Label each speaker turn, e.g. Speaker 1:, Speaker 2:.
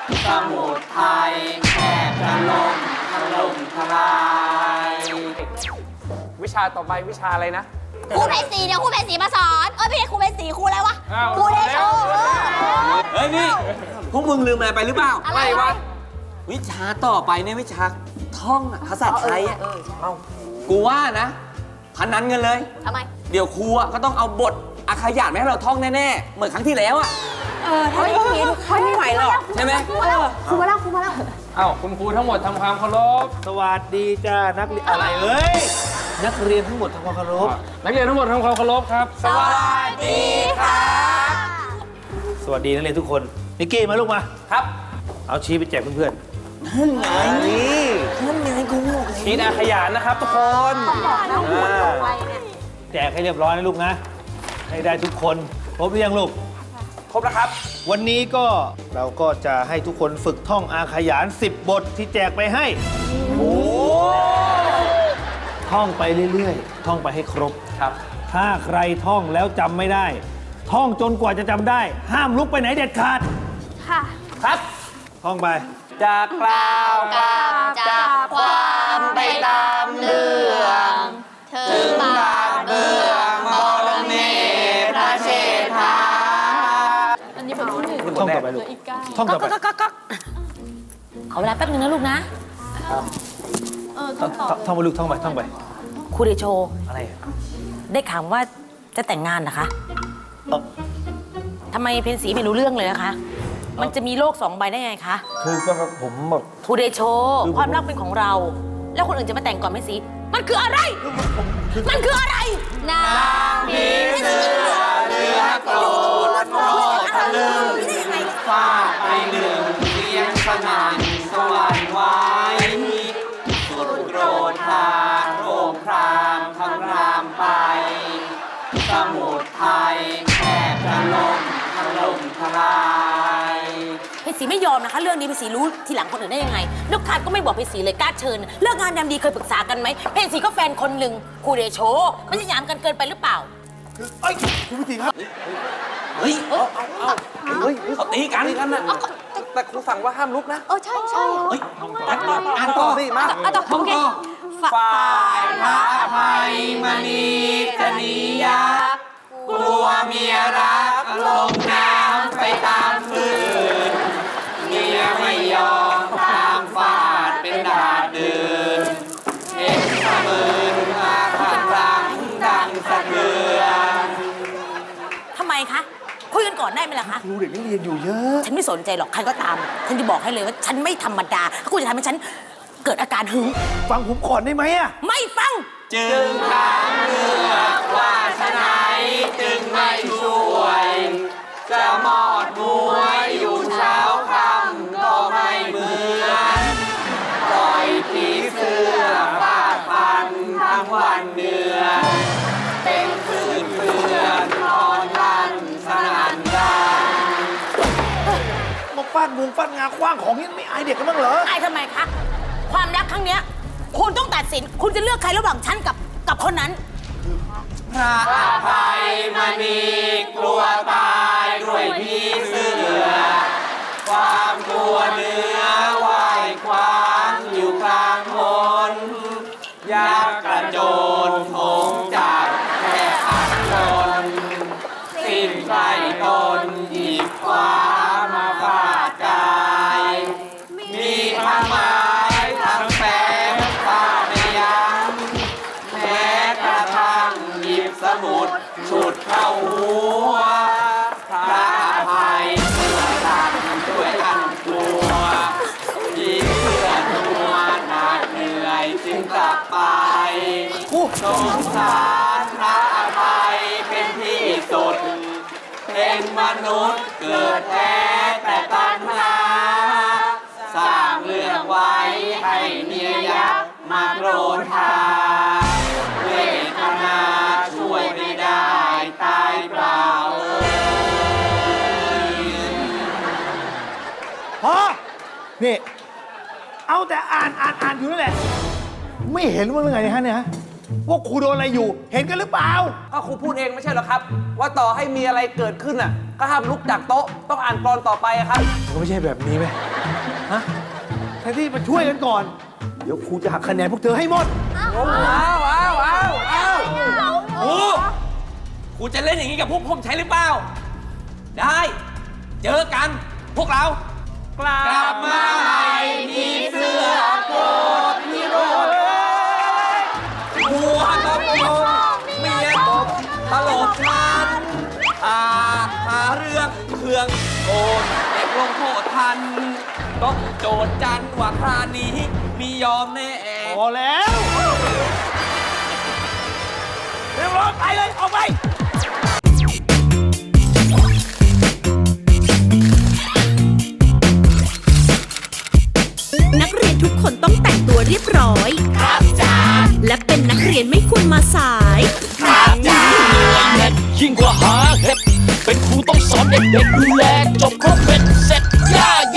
Speaker 1: สมุทรไทยแทบจะล่มทลาย
Speaker 2: วิชาต่อไปวิชาอะไรนะ
Speaker 3: ครูเพชรศรีเดี๋ยวครูเพชรศรีมาสอนไม่ใช่ครูเพชรศรีครูอะไรวะครูเดโช
Speaker 1: เฮ้ยนี่พวกมึงลืมอะไรไปหรือเปล่า
Speaker 3: อะไรวะ
Speaker 1: วิชาต่อไปเนี่ยวิชาท่องภาษาไทยอ่ะกูว่านะพนันกันเลย
Speaker 3: ทำไม
Speaker 1: เดี๋ยวครูก็ต้องเอาบทอาขยาดมาให้เราท่องแน่ๆเหมือนครั้งที่แล้วอ่ะ
Speaker 3: ถ้าไม่อย่างนี้ไม่ไหวหรอก
Speaker 1: ใช่ไหม
Speaker 3: ครูมาแล้ว
Speaker 2: เอ้าคุณครูทั้งหมดทำความเคารพ
Speaker 4: สวัสดีจ้านักเรียนอะไรเอ้ยนักเรียนทั้งหมดทำความเคารพ
Speaker 2: นักเรียนทั้งหมดทำความเคารพครับ
Speaker 1: สวัสดีครับ
Speaker 4: สวัสดีนักเรียนทุกคนนิกกี้มาลูกมา
Speaker 2: ครับ
Speaker 4: เอาชี้ไปแจกเพื่อน
Speaker 1: นั่นไง
Speaker 4: ๆนี่
Speaker 1: นั่นไงกูบอกเลย
Speaker 2: ชีดอาขยานนะครับทุกคน
Speaker 4: แจกให้เรียบร้อยนะลูกนะ ให้ได้ทุกคนครบหรือยังลูก
Speaker 2: ครบแล้วครับ
Speaker 4: วันนี้ก็เราก็จะให้ทุกคนฝึกท่องอาขยาน 10 บทที่แจกไปให้ท่องไปเรื่อยๆ ท่องไปให้ครบ
Speaker 2: ครับ
Speaker 4: ถ้าใครท่องแล้วจำไม่ได้ ท่องจนกว่าจะจำได้ ห้ามลุกไปไหนเด็ดขาด
Speaker 3: ค่ะ
Speaker 2: ครับ
Speaker 4: ท่องไป
Speaker 2: จะกล่าว
Speaker 3: กราบจากความไปตามเรื่องถึงบาทเบื้องบรมพระเชษฐา
Speaker 4: ท่องต่อไปลูก ท่องต่อไป
Speaker 5: ขอเวลาแป๊บนึงนะลูกนะ
Speaker 4: ท่องไปลูกท่องไปท่องไป
Speaker 5: ครูเดโช
Speaker 4: อะไรอ่ะ
Speaker 5: ได้ข่าวว่าจะแต่งงานนะคะ
Speaker 4: เอ่อ
Speaker 5: ทำไมเพนสีไม่รู้เรื่องเลยนะคะ มันจะมีโลกสองใบได้ไงคะ
Speaker 4: คือแบบผมแบบ
Speaker 5: ครูเดโช
Speaker 4: คือผม
Speaker 5: ความรักเป็นของเรา แล้วคนอื่นจะมาแต่งก่อนเพนสีมันคืออะไร มันคืออะไร
Speaker 3: นางผีเสื้อเรือโกรธโมทะลึง
Speaker 1: ฟาดไปหนึ่งเสียงสนั่นสวรรค์ไว้สุดโกรธทางโรคครามคำรามไป สมุทรไทยแทบจะล่มทลาย
Speaker 5: เพนสีไม่ยอมนะคะ เรื่องนี้เพนสีรู้ทีหลังคนอื่นได้ยังไงลูกค้าก็ไม่บอกเพนสีเลยกล้าเชิญ เลิกงานยามดีเคยปรึกษากันไหมเพนสีก็แฟนคนหนึ่งครูเดโช มันจะหยามกันเกินไปหรือเปล่า
Speaker 4: เอ้ยคุณพิธีครับ
Speaker 1: เฮ้ยเขาตีกันน่ะ
Speaker 2: แต่ครูสั่งว่าห้ามลุกนะ
Speaker 3: ใช่
Speaker 1: เฮ้ยอ่านต่อสิมา
Speaker 3: ต่อโอเค
Speaker 1: ฝ่ายพระอภัยมณีกนิยากลัวเมียรักลงน้ำไปตามฟืนเมียไม่ยอมตามฟาดเป็นดาดดืนเห็นสะมืนมาขัดรังดังสะเทือน
Speaker 5: ทำไมคะ คุยกันก่อนได้ไหมล่ะคะ
Speaker 4: รู้เด็กนักเรียนอยู่เยอะ
Speaker 5: ฉันไม่สนใจหรอก ใครก็ตาม ฉันจะบอกให้เลยว่าฉันไม่ธรรมดา ถ้าคุณจะทำให้ฉันเกิดอาการหึง
Speaker 4: ฟังผมก่อนได้ไหมอ่ะ
Speaker 5: ไม่ฟัง
Speaker 1: จึงถามเลือกว่าฉะไหนจึงไม่ช่วย จะมอดมวยอยู่เช้าค่ำก็ไม่เหมือนปล่อยผีเสื้อฟาดฟันทั้งวันเดือนเป็นคืนเพื่อนนอนลั่นสนั่นดัง
Speaker 4: มาฟาดมุงฟาดงาคว้างของนี่ไม่อายเด็กกันบ้างเหรอ
Speaker 5: อายทำไมคะ ความรักครั้งเนี้ยคุณต้องตัดสิน คุณจะเลือกใครระหว่างฉันกับคนนั้น
Speaker 1: พระอภัยมณีกลัวตายด้วยผีเสื้อ ความกลัวเนื้อไหวควางอยู่กลางมนอยากกระโจนโถงจับแค่อัดชนสิ้นใจตนหยิบคว้ามาฟาดกาย มีทั้งไม้ทั้งแฝงฟาดไม่ยั้งแม้กระทั่งหยิบสมุดฉุดเข้าหัวพระอภัยเสื้อสั่นด้วยอันกลัวยิงเสื้อตัวหนักเหนื่อยจึงกลับไปสงสารพระอภัยเป็นที่สุด เป็นมนุษย์เกิดแท้แต่ตัณหา สร้างเรื่องไว้ให้เมียยักษ์มาโกรธทาเวทนาช่วยไม่ได้ตายเปล่า
Speaker 4: พอ นี่ เอาแต่อ่านอยู่นั่นแหละ ไม่เห็นว่าเรื่องไงฮะเนี่ยฮะว่าครูโดนอะไรอยู่ เห็นกันหรือเปล่า
Speaker 2: ก็ครูพูดเองไม่ใช่เหรอครับ ว่าต่อให้มีอะไรเกิดขึ้นอ่ะ ก็ห้ามลุกจากโต๊ะ ต้องอ่านกลอนต่อไปอะครับ
Speaker 4: มันไม่ใช่แบบนี้ไหมแทนที่มาช่วยกันก่อน เดี๋ยวครูจะหักคะแนนพวกเธอให้หมด
Speaker 1: ครูจะเล่นอย่างนี้กับพวกผมใช่หรือเปล่า ได้ เจอกัน พวกเรา
Speaker 2: กลั
Speaker 1: กลับมาใหม่พี่เสื้อโกรธพี่โรดหัวกระโปรงเมียตบตลกมันหาเรื่องเครื่องโกนเด็กลงโทษทัน ต้องโจทย์จันว่าคราวนี้มียอมแน่
Speaker 4: พอแล้วเร็วๆไปเลย ออกไป
Speaker 6: นักเรียนทุกคนต้องแต่งตัวเรียบร้อย ครับจ้าและเป็นนักเรียนไม่ควรมาสาย
Speaker 7: ยิ่งกว่าหาเห็ดเป็นครูต้องสอนเด็กๆดูแลจบครบเป็นเสร็จ